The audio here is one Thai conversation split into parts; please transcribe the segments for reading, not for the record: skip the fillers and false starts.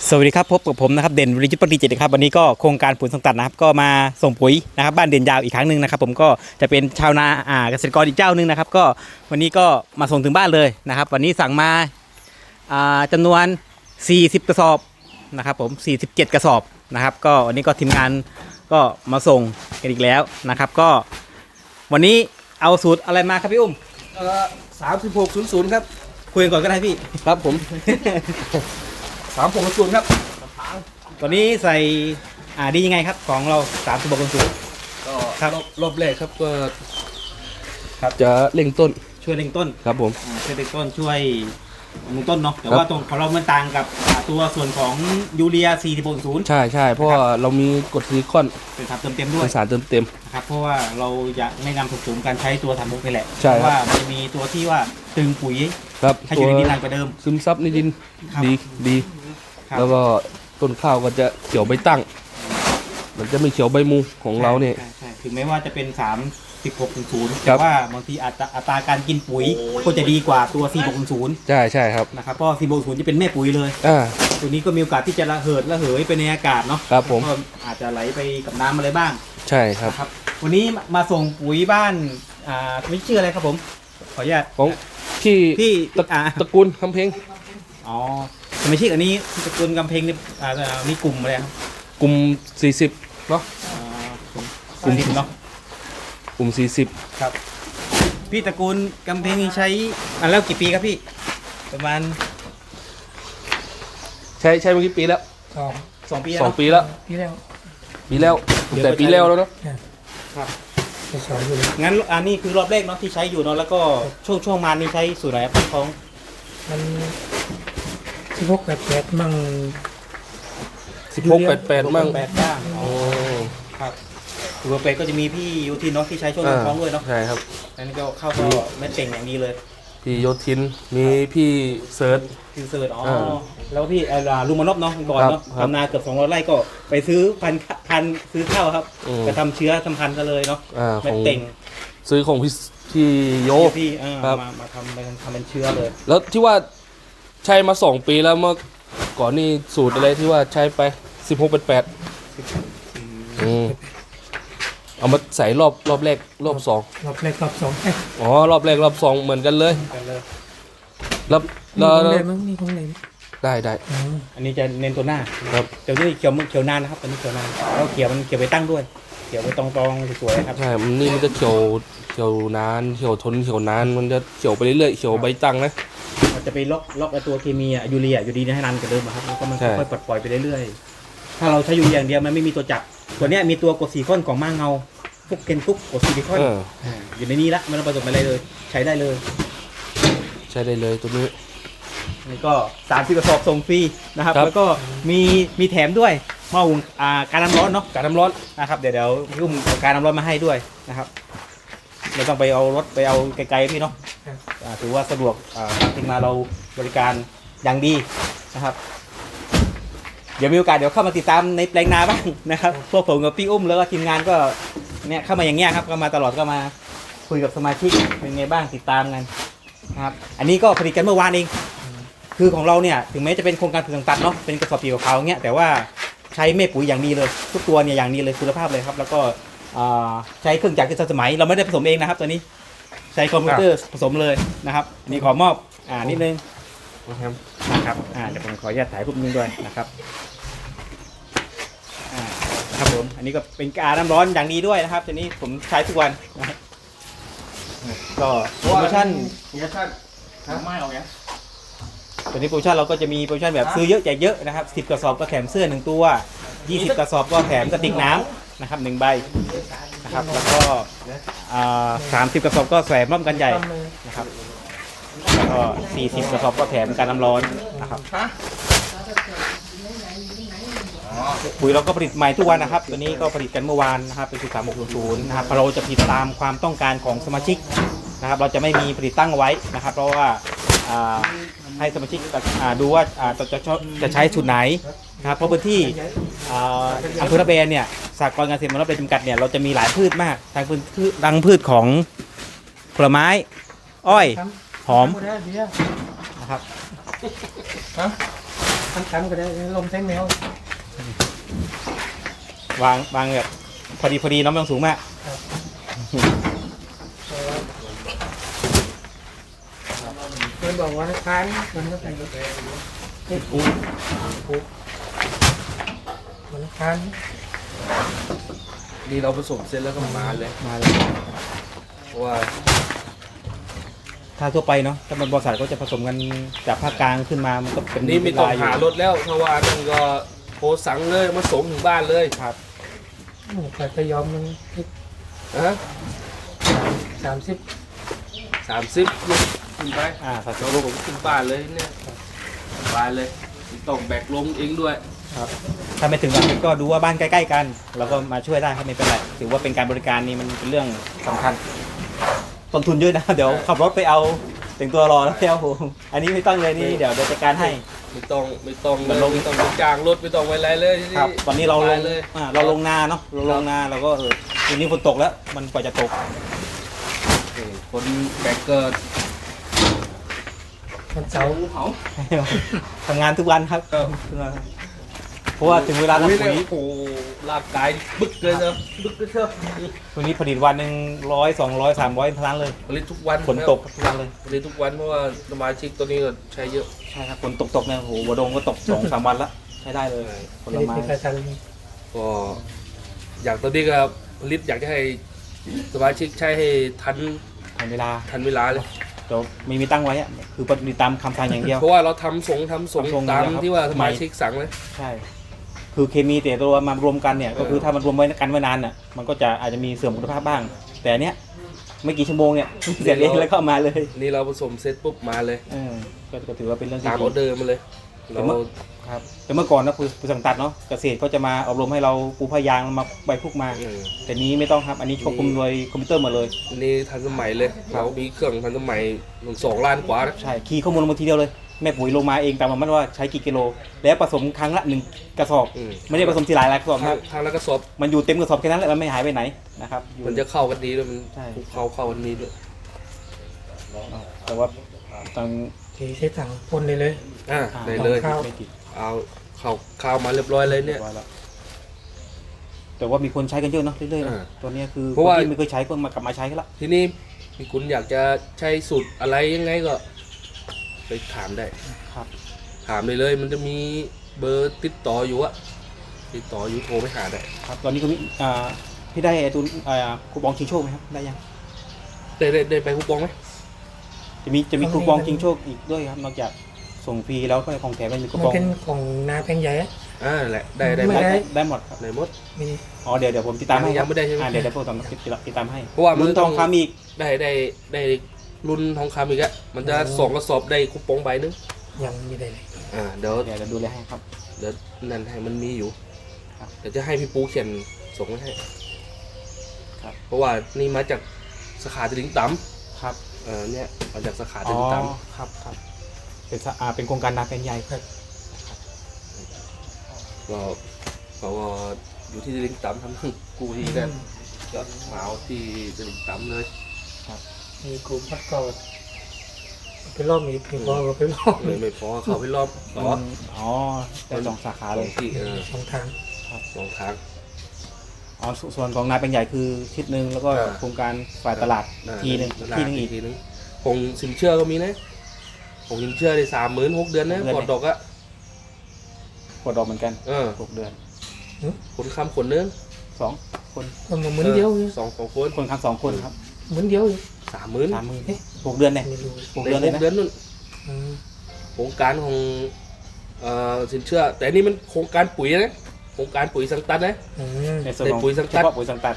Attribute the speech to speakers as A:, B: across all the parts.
A: สวัสดีครับพบกับผมนะครับเด่นวิริยุทธปฏิจิตรนะครับวันนี้ก็โครงการปุ๋ยสังตัดนะครับก็มาส่งปุ๋ยนะครับบ้านเด่นยาวอีกครั้งหนึ่งนะครับผมก็จะเป็นชาวนาเกษตรกรอีกเจ้าหนึ่งนะครับก็วันนี้ก็มาส่งถึงบ้านเลยนะครับวันนี้สั่งมาจำนวน40กระสอบนะครับผม47กระสอบนะครับก็วันนี้ก็ทีมงานก็มาส่งกันอีกแล้วนะครับก็วันนี้เอาสูตรอะไรมาครับพี่อุ้ม
B: 3600ครับ
A: คุยกันก่อนก็ได้พี่
B: ครับผม3600ครับ
A: ตอนนี้ใส่ดียังไงครับของเรา36คนสูตร
B: ก็ครับรอบแรกครับก็ครับจะเร่งต้น
A: ช่วยเร่งต้น
B: ครับผม
A: ช่วยเร่งต้นช่วยลงต้นเนาะแต่ว่าตรงของเรามันต่างกับตัวส่วนของยูเรีย4060
B: ใช่ใช่เพราะว่าเรามีกรดซิลิคอน
A: เป็นสารเติมเต็มด้วย
B: เป็นสารเติมเต็ม
A: นะครับเพราะว่าเราอยากไม่นำผสมการใช้ตัว36นี่แหละ
B: ใช่
A: เพราะว่ามันจะมีตัวที่ว่าตึงปุ๋ย
B: ครับ
A: ให้อยู่ในดินนานกว่าเดิม
B: ซึมซับในดินดีแล้วก็ต้นข้าวก็จะเขียวใบตั้งมันจะไม่เขียวใบมูของเราเนี่ย
A: ถึงแม้ว่าจะเป็น3660แต่ว่าบางทีอัตราการกินปุ๋ยก็จะดีกว่าตัว4660
B: ใช่ครับ
A: นะครับเพราะ4660จะเป็นแม่ปุ๋ยเลยตัวนี้ก็มีโอกาสที่จะระเหยไปในอากาศเนาะ
B: ครับผม
A: ก็อาจจะไหลไปกับน้ำอะไรบ้าง
B: ใช่ครับ
A: วันนี้มาส่งปุ๋ยบ้านไม่ชื่ออะไรครับผมขออนุญาต
B: ของพี่ตระกูลคำเพ็ง
A: อ๋อสมาชิกอันนี้ตระกูลกำเพ็งนี่มีกลุ่มอะไรครับ
B: กลุ่ม40เนาะ
A: กลุ่ม40เนาะ
B: กลุ่ม40
A: ครับพี่ตระกูลกำเพ็งใช้แล้วกี่ปีครับพี่ประมาณ
B: ใช้มากี่ปีแล้ว
A: 2 ปี
B: 2 ปีแล้วแต่ปีแล้วแล้วเนาะ
A: ครับงั้นอันนี้คือรอบแรกเนาะที่ใช้อยู่เนาะแล้วก็ช่วงมานี่ใช้สูตรไหนครับของ
C: มัน1688มั่ง
B: 1688มั่ง
A: 8บ้างอ๋อครับสูตร8ก็จะมีพี่ยูทินเนาะที่ใช้ช่วงท้องด้วยเนาะ
B: ใช่ครับ
A: อันนี้ก็เข้าก็แม่เก่งอย่างดีเลย
B: พี่โยทินมีพี่เซิร์ช
A: อ๋อแล้วพี่ลุงมานพเนาะก่อนเนาะทำนาเกือบ200 ไร่ก็ไปซื้อพันซื้อข้าวครับไปทำเชื้อทำพันธุ์กันเลยเนาะแม่เก่ง
B: ซื้อของพี่โย
A: พี่มาทำเป็นเชื้อเลย
B: แล้วที่ว่าใช้มา2 ปีแล้วเมื่อก่อนนี่สูตรอะไรที่ว่าใช้ไป1688เอามาใส่รอบแรกรอบ2อ๋อรอบแรกรอบ2เหมือนกันเลยแล้ว
C: นี่ของอะไร
B: ได้
A: อันนี้จะเน้นตัวหน้า
B: ครับ
A: เดี๋ยวนี้เขียวนานนะครับตอนนี้เขียวนานแล้วเขียวไปตั้งด้วยเขียวไปตรงสวยๆครับ
B: ใช่นี่มันจะเขียวนานเขียวทนเขียวนานมันจะเขียวไปเรื่อยๆเขียวใบตั้งนะ
A: มันจะไปล็อกตัวเคมียูเรียอยู่ดีให้นานกว่าเดิมครับแล้วก็มันค่อยๆปล่อยไปเรื่อยๆถ้าเราใช้ยูเรียอย่างเดียวมันไม่มีตัวจับตัวนี้มีตัวกรดซิลิคอนของม้าเงาพวกเกนทุกกรดซิลิคอนอยู่ในนี้ละมันผสมอะไรเลยใช้ได้เลย
B: ตัวนี้
A: นี่ก็30กระสอบส่งฟรีนะครับแล้วก็มีแถมด้วยหม้อหุงการน้ำร้อนเนาะ
B: การน้ำร้อน
A: นะครับเดี๋ยวพี่อุ้มเอาการน้ำร้อนมาให้ด้วยนะครับไม่ต้องไปเอารถไปเอาไกลๆพี่เนาะถือว่าสะดวกถึงมาเราบริการอย่างดีนะครับเดี๋ยวมีโอกาสเดี๋ยวเข้ามาติดตามในแปลงนาบ้างนะครับพวกผมกับพี่อุ้มแล้วก็ทีมงานก็เนี่ยเข้ามาอย่างเงี้ยครับก็มาตลอดก็มาคุยกับสมาชิกเป็นไงบ้างติดตามกันนะครับอันนี้ก็ผลิตกันเมื่อวานเองคือของเราเนี่ยถึงแม้จะเป็นโครงการผลิตสังกัดเนาะเป็นกระสอบปีกขาวเงี้ยแต่ว่าใช้แม่ปุ๋ยอย่างดีเลยทุกตัวเนี่ยอย่างดีเลยคุณภาพเลยครับแล้วก็ใช้เครื่องจักรที่ทันสมัยเราไม่ได้ผสมเองนะครับตัวนี้ใช้คอมพิวเตอร์ผสมเลยนะครับนี่ขอมอบนิดนึงนะครับเดี๋ยวผมขออนุญาตถ่ายรูปนึงด้วยนะครับครับผมอันนี้ก็เป็นการน้ำร้อนอย่างดีด้วยนะครับตัวนี้ผมใช้ทุกวันนะครับก็โปรโมชั่นไม่เอาเนี้ยตัวนี้โปรโมชั่นเราก็จะมีโปรโมชั่นแบบซื้อเยอะแจกเยอะนะครับ10กระสอบก็แถมเสื้อ1ตัว20กระสอบก็แถมกระติกน้ำนะครับ1ใบนะครับแล้วก็30กระสอบก็แถมร่มกันใหญ่นะครับแล้วก็40กระสอบก็แถมการน้ำร้อนนะครับปุ๋ยเราก็ผลิตใหม่ทุกวันนะครับตัวนี้ก็ผลิตกันเมื่อวานนะครับเป็น3600นะครับเราจะผลิตตามความต้องการของสมาชิกนะครับเราจะไม่มีผลิตตั้งไว้นะครับเพราะว่าให้สมาชิกดูว่าจะใช้สูตรไหนนะครับเพราะพื้นที่อำเภอระเบนเนี่ยสหกรณ์การเกษตรระเบนจำกัดเนี่ยเราจะมีหลายพืชมากทั้งพืชของผลไม้อ้อยหอมนะครับ
C: ตั้มก็ได้ลมใช้แมว
A: วางแบบพอดีน้ำไม่ต้องสูงมาก
C: เพื่อนบอกว่าค้านมันก็แต่งนี่ปูมันค้าน
B: นี่เราผสมเสร็จแล้วก็มาเลย
A: มาเลย
B: เพราะว่า
A: ถ้าทั่วไปเนาะถ้ามันบริษัทก็จะผสมกันจากภาคกลางขึ้นมามันก็เป็น
B: นี่ไม่ต้อง
A: เวล
B: หารถแล้วเพราะว่านั่นก็โทรสั่งเลยมาส่งถึงบ้านเลย
A: ครับ
C: แต่ก็ยอมมัน
B: ฮะ
C: 30
B: 30ลูกขึ้นไป
A: สัตว์
B: เราลงขึ้นบ้านเลยเนี่ยบ้านเลยไม่ต้องแบกลงเองด้วย
A: ครับถ้าไม่ถึงวันก็ดูว่าบ้านใกล้ๆกันเราก็มาช่วยได้ครับไม่เป็นไรถือว่าเป็นการบริการนี่มันเป็นเรื่องสำคัญต้นทุนเยอะนะ เดี๋ยวขับรถไปเอาแต่งตัวรอแล้วโอ้โหอันนี้ไม่ต้องเลยนี่เดี๋ยวจัดการให้
B: ไม่ต้อง
A: เหมื
B: เล
A: อน
B: ย
A: ลง
B: ไม่ต้องไปจ้างรถไม่ต้องไปอะไรเลยที่
A: ครับตอนนี้เราลง
B: เลย
A: เราลงนาเนาะเราลงนาเราก็ทีนี้ฝนตกแล้วมันกว่าจะตก
B: คนแบกเกิด
C: มันเสาร์
B: เขา
A: ทำงานทุกวันครับเพราะว่าถึงเวลา
B: อุ้ย
A: ทำปุ๋ย
B: โอ้โหร่างกายบึกเลยเนอะบึกเลยเถอะ
A: ตัวนี้ผลิตวันหนึ่ง100 200 300ทั้งนั้นเลย
B: ผลิตทุกวัน
A: ฝนตกทุกวันเลย
B: ผลิตทุกวันเพราะว่าสมาชิกตัวนี้ก็ใช้เยอะ
A: ใช่ครับฝนตกเนี่ยโอ้โหหัวดงก็ตก 2-3 วันละใช้ได้เลยผล
C: ไม่
A: ไม้
C: ได้ใครทัน
B: ก็อยากตอนนี้ก็ผลิตอยากจะให้สมาชิกใช้ให้ทัน
A: ทันเวลา
B: เวลาเลย
A: เดี๋ยวไม่มีตั้งไว้อะคือปฏิบัติตามคำสั่งอย่างเดียว
B: เพราะว่าเราทำส่ง
A: ทำส่ง
B: ตาม
A: อยู่แล้วครับ
B: ที่ว่าสมาชิกสั่งเลย
A: ใช่ คือเคมีแต่ตัวมารวมกันเนี่ยก็คือถ้ามันรวมไว้กันไว้นานน่ะมันก็จะอาจจะมีเสื่อมคุณภาพบ้าง แต่อันเนี้ยไม่กี่ชั่วโมงเนี่ยเสร็จเองแล้วก็เอามาเลย
B: นี่เราผสมเสร็จปุ๊บมาเลย
A: ก็ถือว่าเป็นเรื่องที่
B: ตามออเดอร์มาเลย เรา
A: ครับแต่เมื่อก่อนนะคือสั่งตัดเนาะเกษตรก็จะมาอบรมให้เราปูผ้ายางมาใบพวกมา แต่นี้ไม่ต้องครับอันนี้ควบคุมโดยคอมพิวเตอร์หมดเลย
B: นี่ทันสมัยเลยเรามีเครื่องทันสมัย2 ล้านกว่านะ
A: ใช่คีย์ข้อมูลลงมาทีเดียวเลยแม่ปุ๋ยลงมาเองตามมันว่าใช้กี่กิโลแล้วผสมครั้งละ1 กระสอบ ไม่ได้ผสมทีหลายกระสอบครับ
B: ทางแล้วก็สอบ
A: มันอยู่เต็มกระสอบแค่นั้นแหละมันไม่หายไปไหนนะครับอยู่
B: มันจะเข้ากันดีด้วยมัน
A: ใช่
B: เข้ากันดีด้วย
A: แต่ว่าตอน
C: ทีใช้ถังพ่นเลย
B: ได้เลย
C: ข้าว
A: ไม่ติด
B: เอาข้าวมาเรียบร้อยเลยเนี่ย
A: รีบร้อแล้วแต่ว่ามีคนใช้กันเยอะเนาะเรื่อยๆนะ
B: อ่า
A: ตัวเนี้ยคือ
B: เพราะว่า
A: คนที่ไม่เคยใช้ก็มากลับมาใช้กันละ
B: ทีนี้มีคุณอยากจะใช้สูตรอะไรยังไงก็ไปถามได้
A: ครับ
B: ถามเลยมันจะมีเบอร์ติดต่ออยู่อะติดต่ออยู่โทรไปหาได้
A: ครับตอนนี้ก็มีพี่ได้ไอ้ตัวคูปองชิงโชคไหมครับได้ยัง
B: ได้ไปคูปองไหม
A: จะมีคูปองชิงโชคอีกด้วยครับนอกจากส่งฟรีแล้วก็ของแถมมันมีคู
C: มัน
A: ปอง
C: เป็นของนาแพงใหญ่อะ
B: นั่นแหละได้
C: ไม่
B: หมด
A: ได้หมดครับ
B: ได้หมด
C: มี
A: อ๋อเดี๋ยวผมติดตามให้
B: ยังไม่ได้ใช่ไหม
A: เดี๋ยวพวกผมติดตามให้
B: เพราะว่ามัน
A: รุ่นทองคำอีก
B: ได้รุ่นทองคำอีกอะมันจะ2 กระสอบได้คูปองใบนึง
C: ยังมีได้เลย
B: เดี๋ยว
A: เดี๋ยวจะดูแลให้ครับ
B: เดี๋ยวนั่นให้มันมีอยู่
A: ครับ
B: เดี๋ยวจะให้พี่ปูเขียนส่งไว้ให้
A: ครับ
B: เพราะว่านี่มาจากสาขาตลิ่งต่
A: ครับ
B: ำเนี่ยมาจากสาขาต
A: อ๋อ
B: ลิ่งต่
A: ครับเป็นโครงการนาเป็นใหญ่ครับ
B: ำก็เขาก็อยู่ที่ตลิ่งต่ำทำกูที่นั่นก็เหมาที่ตลิ่งต่ำเลย
C: มีกลุ่มพัดเก่าไปรอบมีเพียงพอก็ไปรอบ
B: เลยไม่พอเข้าไปรอบต่อ
A: อ๋อได้2 สาขาเลย
B: ที่
C: 2 ทาง
B: 2 ทาง
A: อ๋อส่วนของนาเป็นใหญ่คือทิศหนึ่งแล้วก็
B: อ่า
A: โครงการฝ่ายตลาดทีหนึ่งอีก
B: ทีนึงคงสินเชื่อก็มีนะคงสินเชื่อได้36,000 เดือนนะ
A: 6 เดือน
B: ปลอดดอกอะ
A: กดดอกเหมือนกัน 6 เดือน
B: คนค้ำคนนึง
A: 2 คน
C: ก็มาเหมือนเดียว
B: 2 คน
A: คนค้ำ2 คนครับ
C: เหมือนเดียว
B: 30,000
A: 6 เดือนเนี่ย
C: ไม่รู้
A: 6 เดือนเลยนะ
B: เดือนนู่น
C: อืม
B: โครงการของสินเชื่อ แต่อันนี่มันโครงการปุ๋ยนะโครงการปุ๋ยสังตัดนะ
A: ในส่วนของ
B: ในปุ๋ยสังกั
A: เฉ
B: ด
A: พาะปุ๋ยสังกัด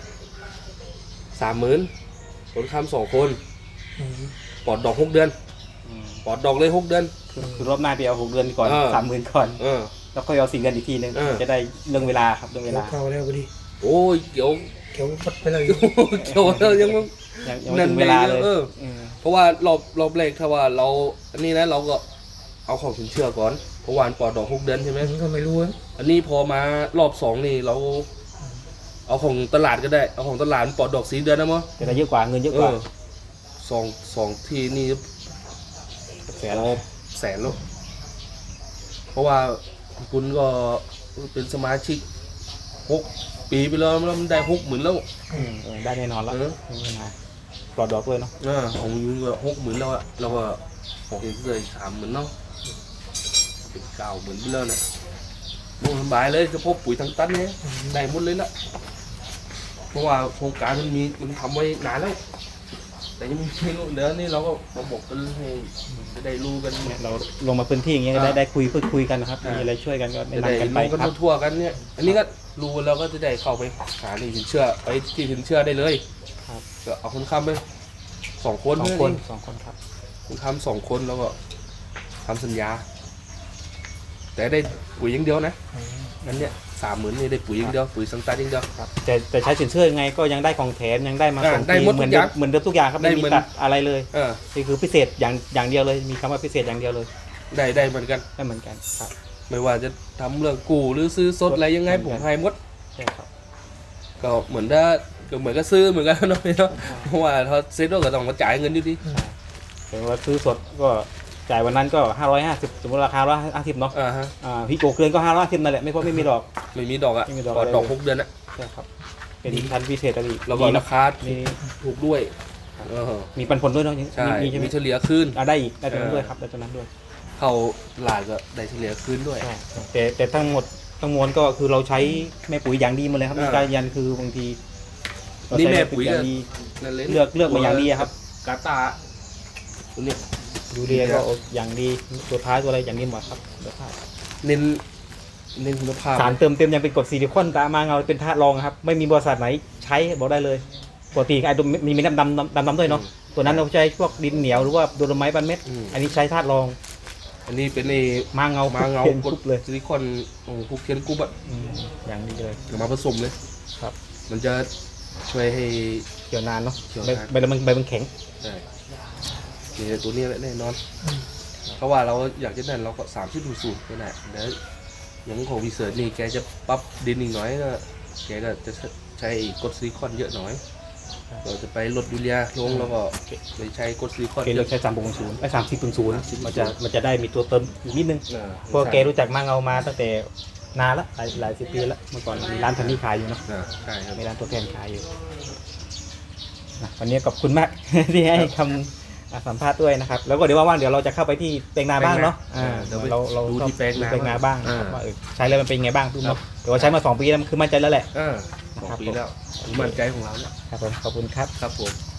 B: 30,000คนค้ำ2 คน
C: อืม
B: ปลอดดอก 6 เดือน ปลอดดอกเลย 6 เดือน
A: คือรอบหน้าไปเอา6 เดือนก่อน 30,000 ก่อน
B: เออ
A: แล้วค่อยเอา4 เดือนอีกทีนึง จะได้เรื่องเวลาครับเรื่องเวลา
C: เข้าแล้วพอดี
B: โอ้ยเกี่ยว
C: เขียวพัดไปเลย
B: เกี่ยวแล้วยังไม่
A: ยังไม่ถึงเวลาเลย
B: เพราะว่ารอบแรกถ้าว่าเราอันนี้นะเราก็เอาของสินเชื่อก่อนเพราะวามันปลอดดอก 6 เดือนใช่ไหม
C: มันก็ไม่รู้อะ
B: อันนี้พอมารอบ 2นี่เราเอาของตลาดก็ได้เอาของตลาดมันปลอดดอก4 เดือนนะมั้ง
A: จะได้เยอะกว่าเงินเยอะกว่า
B: สองที่นี่
A: แสน
B: แสนแล้วเพราะว่าคุณก็เป็นสมาชิก6 ปีไปแล้วมันได้60,000แล้ว
A: ได้แน่นอนแล้ว
B: เออ
A: ไม่นานปลอดดอกเลยเนาะ
B: ของยูก็60,000แล้วอะเราก็ของเองเลย30,000เนาะเป็น90,000ไปแล้วเนี่ยโอ้สบายเลยจะพบปุ๋ยทั้งตันเนี่ยได้หมดเลยละเพราะว่าโครงการมันทำไว้นานแล้ว แต่ยังไม่รู้เดี๋ยวนี้เราก็มาบอกกันให้จะได้รู้กัน
A: เนี่ยเราลงมาพื้นที่อย่างเงี้ยก็ได้พูดคุยกันนะครับ มีอะไรช่วยกันก็
B: จะ
A: แนะ
B: ได้
A: นำกันไป
B: รู้กัน
A: ครับ
B: ทั่วๆกันเนี่ยอันนี้ก็รู้แล้วก็จะได้เข้าไปหาที่สินเชื่อไปที่สินเชื่อได้เลย
A: ครับ
B: ก็เอาคนค้ำไป2 คน
A: สองคนครับ
B: คนค้ำ2 คนแล้วก็ทำสัญญา แต่ได้ปุ๋ยอย่างเดียวนะงั้นเนี่ย30,000นี่ได้ปุ๋ยอย่างเดียวปุ๋ยสังกัดอย่างเดียว
A: ครับแต่ใช้สินเชื่อยังไงก็ยังได้ของแถมยังได้มา
B: อ่า
A: ส่ง
B: ได้หมด
A: เหมือน
B: ทุกอย่าง
A: เหมือนเดิมทุกอย่างครับ
B: ได้
A: ไม่มี
B: เหมือน
A: ตัดอะไรเลย นี่คือพิเศษอย่างเดียวเลยมีคำว่าพิเศษอย่างเดียวเลย
B: ได้เหมือนกัน
A: ได้เหมือนกันครับ
B: ไม่ว่าจะทำเรื่องกู้หรือซื้อสดอะไรยังไง
A: เหมื
B: ผ
A: อนกัน
B: มให้หมด
A: ใช่ครับ
B: ก็เหมือนก็ซื้อเหมือนกันเนาะพี่เนาะเพราะว่าถ้าซื้อด้วยก็ต้องมาจ่ายเงินอยู่ดี
A: แต่ว่าซื้อสดก็จ่ายวันนั้นก็550สมมติราคา150เนาะ
B: อ่าฮะ
A: พี่โกเกินก็550นั่นแหละไม่เพราะไม่มีดอก
B: ไม่มีดอกอ่ะ
A: ไม่มีดอก
B: ด
A: อะไรเลย
B: อก6 เดือนอ่ะ
A: ใช่ครับเป็นพันธุ์พิเศษอะไรอีก
B: แล้วก็
A: มี
B: ราคา
A: มี
B: ถูกด้วยเออ
A: มีปันผลด้วยเนาะ
B: ใช่
A: มีใช่ไหม
B: มีเฉลี่ยคืน
A: ได้อีกได้ตรงนั้นด้วยครับได้ตรงนั้นด้วย
B: เข้าหลาดก็ได้เฉลี่ยคืนด้วย
A: ใช่แต่ทั้งหมดทั้งมวลก็คือเราใช้แม่ปุ๋ยอย่างดีหมาเลยครับมีการยันคือบางทีเรา
B: นี่
A: ใช้
B: แม่ปุ๋ย
A: อย่างดี
B: นั่นเลย
A: เลือกมาอย่างดีอะครับ
B: กาตาตัวเนี้ย
A: ยูเรียก็อย่างดีตัวท้ายตัวอะไรอย่างดีหมดครับเดี๋ยวพลาด
B: เน้นคุณภาพ
A: สารเติมเต็มยังเป็นกรดซิลิคอนตามาเงาเป็นธาตุรองครับไม่มีบริษัทไหนใช้บอกได้เลยปกติไอ้ตัวมีน้ำดำด้วยเนาะตัวนั้นเราใช้พวกดินเหนียวหรือว่าโดโลไมต์บันเม็ดอันนี้ใช้ธาตุรอง
B: อันนี้เป็นใน
A: มาเงา
B: มาเงา
A: เพียน
B: ก
A: ก
B: ด
A: รุ๊ปเลย
B: ซิลิคอนของพวกเทียนกรุ๊ปอะ
A: อย่างดีเลย
B: เอามาผสมเลย
A: ครับ
B: มันจะช่วยให้
A: เกี่ยวนานเนาะ
B: เกี่ยว
A: ใบ
B: นาน
A: ใบมันแข็ง
B: ได้นี่ตัวนี้แหละแน่นอน เพราะว่าเราอยากจะนั่นเราก็30-0ก็ได้เดี๋ยวอย่างของวีเซิร์นี่แกจะปรับดินอีกหน่อยก็แกก็จะใช้กรดซิลิคอนเยอะหน่อยเราจะไปลดยูเรียลงแล้วก็ไปใช้กรดซิลิคอน
A: เกเลือกใช้3.0ไอ้30.0มันจะได้มีตัวเติมอยู่นิดนึง
B: อ่า
A: เพราะแกรู้จักมาเงามาตั้งแต่นานละหลายสิบปีแล้วเมื่อก่อนมีร้านทันนี่ขายอยู่เนาะ
B: ใช่ครับ
A: มีร้านตัวแทนขายอยู่นะวันนี้ขอบคุณมาก ที่ให้คำสัมภาษณ์ด้วยนะครับ แล้วก็เดี๋ยวว่างๆเดี๋ยวเราจะเข้าไปที่แปลงนาบ้างเนาะ
B: เดี๋ยวไป
A: เรา
B: ดูที่แปลงนา
A: แปลงนาบ้าง
B: อ่า
A: ว่าใช้แล้วมันเป็นไงบ้างทุกเนาะแต่ว่าใช้มา2 ปีแล้วมันคือมั่นใจแล้วแหละ
B: 2 ปีแล้วมั่นใจของเราแล้ว
A: ครับผมขอบคุณครับ
B: ครับผม